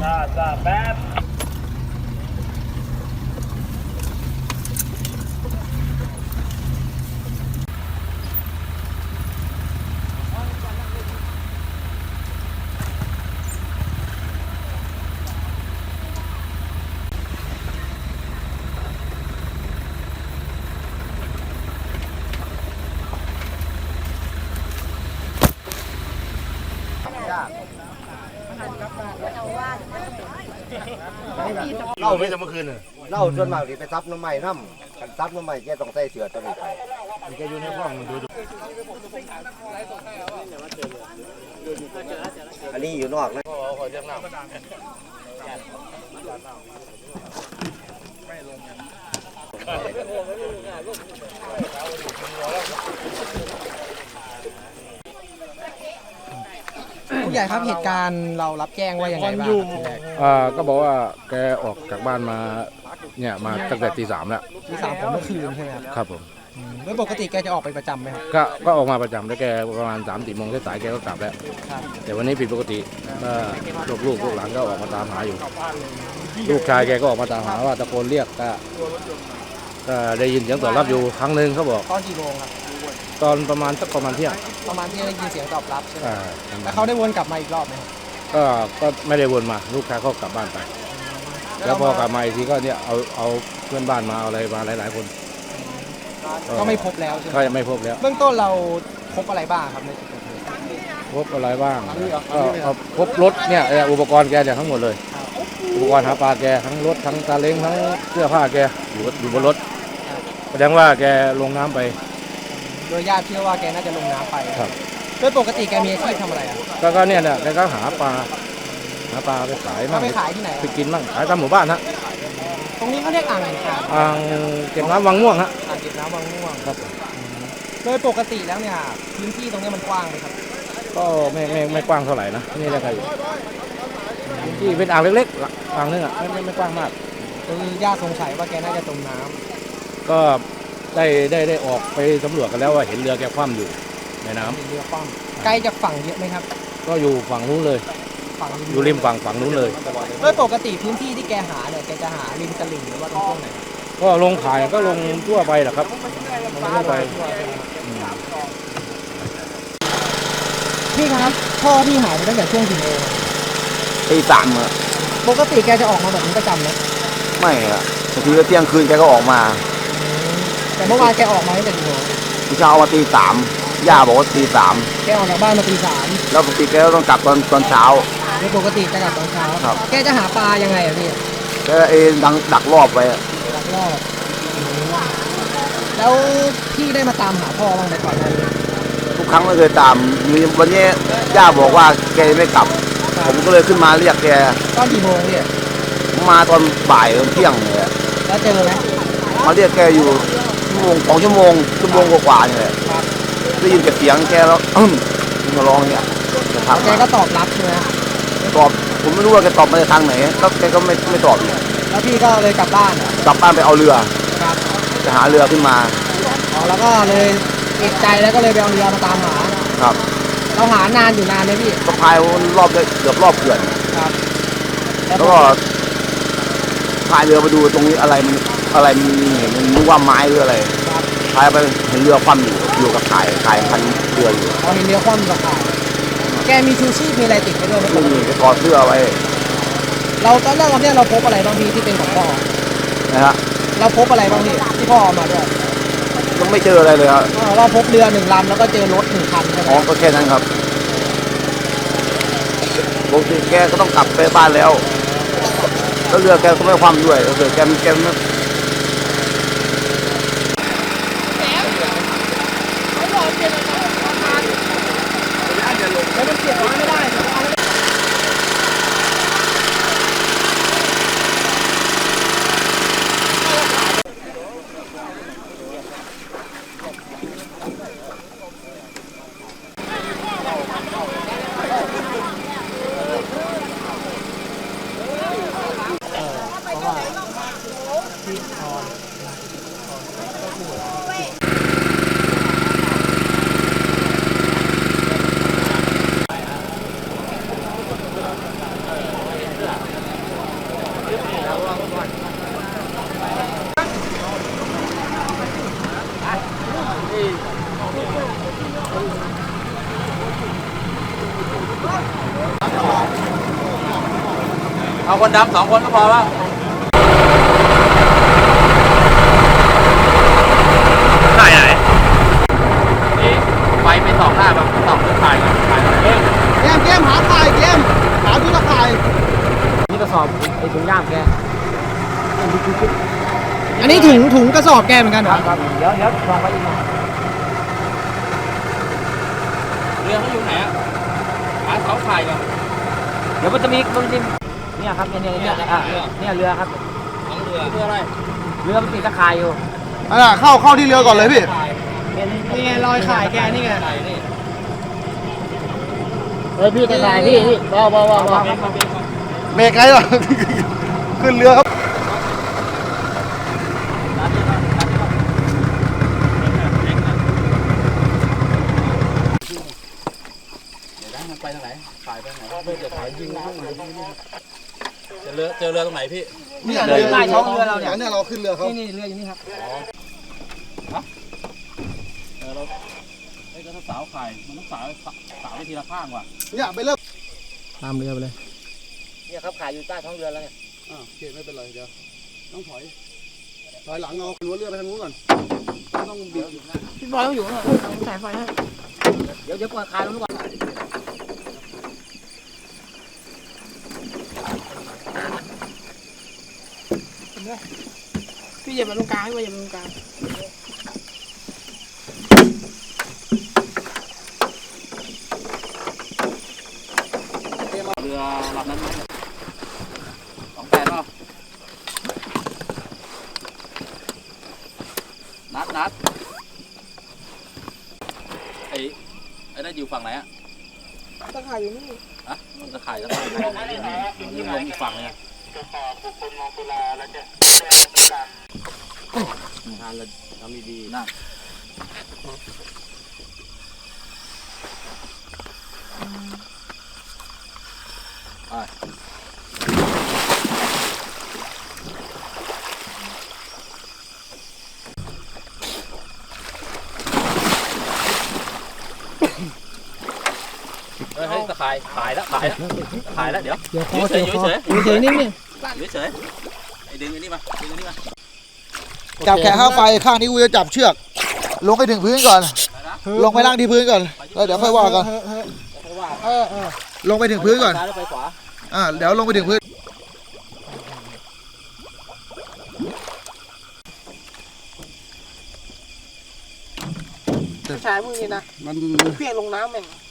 จ้าแป๊บเล่าไม่จะเมื่อคืนเลยเล่าจนมากที่ไปซับน้ำใหม่น้ำกันซับน้ำใหม่แกต้องใส่เสื้อตัวนี้ไปแกอยู่ในห้องมันดูอันนี้อยู่นอกนะผู้ใหญ่ครับเหตุการณ์เรารับแจ้งว่ายังไงบ้างครับทีแรกก็บอกว่าแกออกจากบ้านมาเนี่ยมาตั้งแต่ตี 3แล้วที่3ของเมื่อคืนใช่ไหมครับครับผมโดยปกติแกจะออกไปประจำไหมครับก็ออกมาประจำแล้วแกประมาณ3-4 โมงสายๆแกก็กลับแล้วครับแต่วันนี้ผิดปกติลูกหลานก็ออกมาตามหาอยู่ ลูกชายแกก็ออกมาตามหาว่าตะโกนเรียกก็ได้ยินเสียงตอบรับอยู่ครั้งหนึ่งเขาบอกตอนกี่โมงครับตอนประมาณเที่ยงประมาณที่ได้ยินเสียงตอบรับใช่ไหมอ่าแล้วเขาได้วนกลับมาอีกรอบไหมครับก็ไม่ได้วนมาลูกชายเขากลับบ้านไป แล้วพอกลับมาอีกทีก็เนี่ยเอาเพื่อนบ้านมาเอาอะไรมาหลายๆคนก็ไม่พบแล้วใช่ไหมก็ยังไม่พบแล้วเบื้องต้นเราพบอะไรบ้างครับในจุดเกิดเหตุพบอะไรบ้างก็พบรถเนี่ยอุปกรณ์แกเนี่ยทั้งหมดเลย อุปกรณ์หาปลาแกทั้งรถทั้งซาเล้งทั้งเสื้อผ้าแกอยู่บนรถแสดงว่าแกลงน้ำไปโดยญาติเชื่อว่าแกน่าจะลงน้ำไปครับโดยปกติแกมีอาชีพทำอะไรอ่ะก็เนี่ยแกก็หาปลาไปขายเขามั่งไปขายที่ไหนไปกินมั่งขายตามหมู่บ้านฮะตรงนี้เขาเรียกอ่างแห่งการอ่างเก็บน้ำวังม่วงฮะอ่างเก็บน้ำบางม่วงครับโดยปกติแล้วเนี่ยพื้นที่ตรงนี้มันกว้างไหมครับก็ไม่กว้างเท่าไหร่นะนี่แหละครับที่เป็นอ่างเล็กๆอ่างนึงอ่ะไม่กว้างมากคือญาติสงสัยว่าแกน่าจะจมน้ำก็ได้ออกไปสำรวจกันแล้วว่าเห็นเรือแกคว่ำอยู่ในน้ำเป็นเรือคว่ำไกลจากฝั่งเยอะไหมครับก็อยู่ฝั่งนู้นเลยฝั่งอยู่ริมฝั่งนู้นเลยโดยปกติพื้นที่ที่แกหาเนี่ยแกจะหาริมตลิ่งหรือว่าตรงช่วงไหนก็ลงขายก็ลงทั่วไปแหละครับลงทั่วไปพี่ครับพ่อพี่หายไปตั้งแต่ช่วงกี่โมงตีสามอะปกติแกจะออกมาแบบนี้ประจำนะไม่อะบางทีก็เที่ยงคืนแกก็ออกมาแต่เมื่อวานแกออกมาตั้งแต่กี่โมงพี่เช้ามาตีสามย่าบอกว่าตีสามแกออกจากบ้านมาตี 3 แล้วปกติแกก็ต้องกลับตอนเช้าโดยปกติจะกลับตอนเช้าครับแกจะหาปลายังไงอะพี่แกดักรอบไว้อะลักลอบแล้วพี่ได้มาตามหาพ่อบ้างไหมก่อนหน้านี้ทุกครั้งไม่เคยตามมีวันนี้ย่าบอกว่าแกยังไม่กลับ ผมก็เลยขึ้นมาเรียกแกตอนกี่โมงพี่มาตอนบ่ายตอนเที่ยงเลยอะแล้วเจอไหมมาเรียกแกอยู่2 ชั่วโมงกว่าๆเนี่ยแหละได้ยินแต่เสียงแกแล้วมาร้องเนี่ยจะทักแกมาก็ตอบรับใช่ไหมตอบผมไม่รู้ว่าแกตอบมาจากทางไหนแล้วแกก็ไม่ตอบอีกแล้วพี่ก็เลยกลับบ้านเหรอกลับบ้านไปเอาเรือครับจะหาเรือขึ้นมาอ๋อแล้วก็เลยเอกใจแล้วก็เลยไปเอาเรือมาตามหาครับเราหานานอยู่นานไหมพี่ก็พายรอบได้เกือบรอบเขื่อนครับแล้วก็พายเรือมาดูตรงนี้อะไรมันมีเห็นมันนึกว่าไม้หรืออะไรครับพายไปเห็นเรือคว่ำอยู่กับข่ายพันเรืออยู่เราเห็นเรือคว่ำกับข่ายแกมีชูชีพมีอะไรติดไปด้วยไหมไม่มีก็ถอดเสื้อไว้เราตอนแรกเนี่ยเราพบอะไรบ้างพี่ที่เป็นของพ่อนะฮะเราพบอะไรบ้างพี่ที่พ่อเอามาด้วยยังไม่เจออะไรเลยครับเราพบเรือ1 ลำแล้วก็เจอรถ1 คันใช่ไหมอ๋อก็แค่นั้นครับปกติแกก็ต้องกลับไปบ้านแล้วเรือแกก็ไม่คว่ำด้วยเรือแกไม่แล้วมันเก็บไว้ไม่ได้เพราะว่าพี่เอาคนดำ2 คนก็พอแล้วถ่ายไหนนี่ไฟไป2 หน้าแบบ2 ถ่ายเกมหาถ่ายเกมหาดูตะข่ายนี่กระสอบไอ้ถุงย่ามแกอันนี้ถุงกระสอบแกเหมือนกันเหรอครับเดี๋ยวลองไปอีกหน่อยเรือเขาอยู่ไหนอ่ะหาเสาถ่ายก่อนเดี๋ยวมันจะมีเนี่ยครับเนี่ยเรือครับของเรืออะไรเรือมันติดตะข่ายอยู่เข้าที่เรือก่อนเลยพี่นี่ไงรอยข่ายแกนี่ไงถ่ายนี่เฮ้ยพี่ตะข่ายพี่เบาเบรกไงวะ ขึ้นเรือครับมันไปทางไหนถ่ายไปทางไหนเพื่อจะถ่ายยิงข้างไหนเจอเรือตรงไหนพี่นี่เรือใต้ท้องเรือเราเนี่ยเนี่ยเราขึ้นเรือเขานี่เรืออยู่นี่ครับเราไอ้กระสาวถ่ายมันต้องสาวไปทีละข้างว่ะเนี่ยไปเริ่มตามเรือไปเลยเนี่ยครับข่ายอยู่ใต้ท้องเรือแล้วเนี่ยโอเคไม่เป็นไรเดี๋ยวต้องถอยหลังเอาหัวเรือไปทางนู้นก่อนต้องบิดพี่บอยต้องอยู่ข้างหลังสายไฟให้เดี๋ยวเปิดคายลงก่อนพี่อย่ามาตรงกลางพี่อย่ามาตรงกลางเรือลำนั้นไหม28เปล่านัดไอ้นั่นอยู่ฝั่งไหนอ่ะตะข่ายอยู่นี่อะตะข่ายตะข่ายนี่ลงอีกฝั่งเลยอ่ะทานเราทำดีนั่งเฮ้ยตะข่ายถ่ายแล้วเดี๋ยวเดี๋ยวคอเฉยเฉยนิ่งเฉยไอ้ดึงไอ้นี่มาจับแขนข้างไฟข้างนี้กูจะจับเชือก ลงไปถึงพื้นก่อน ลงไปนั่งที่พื้นก่อนแล้วเดี๋ยวค่อยว่ากันลงไปถึงพื้นก่อนซ้ายแล้วไปขวาเดี๋ยวลงไปถึงพื้นชายมึงนี่นะมันเพี้ยงลงน้ำแม่ง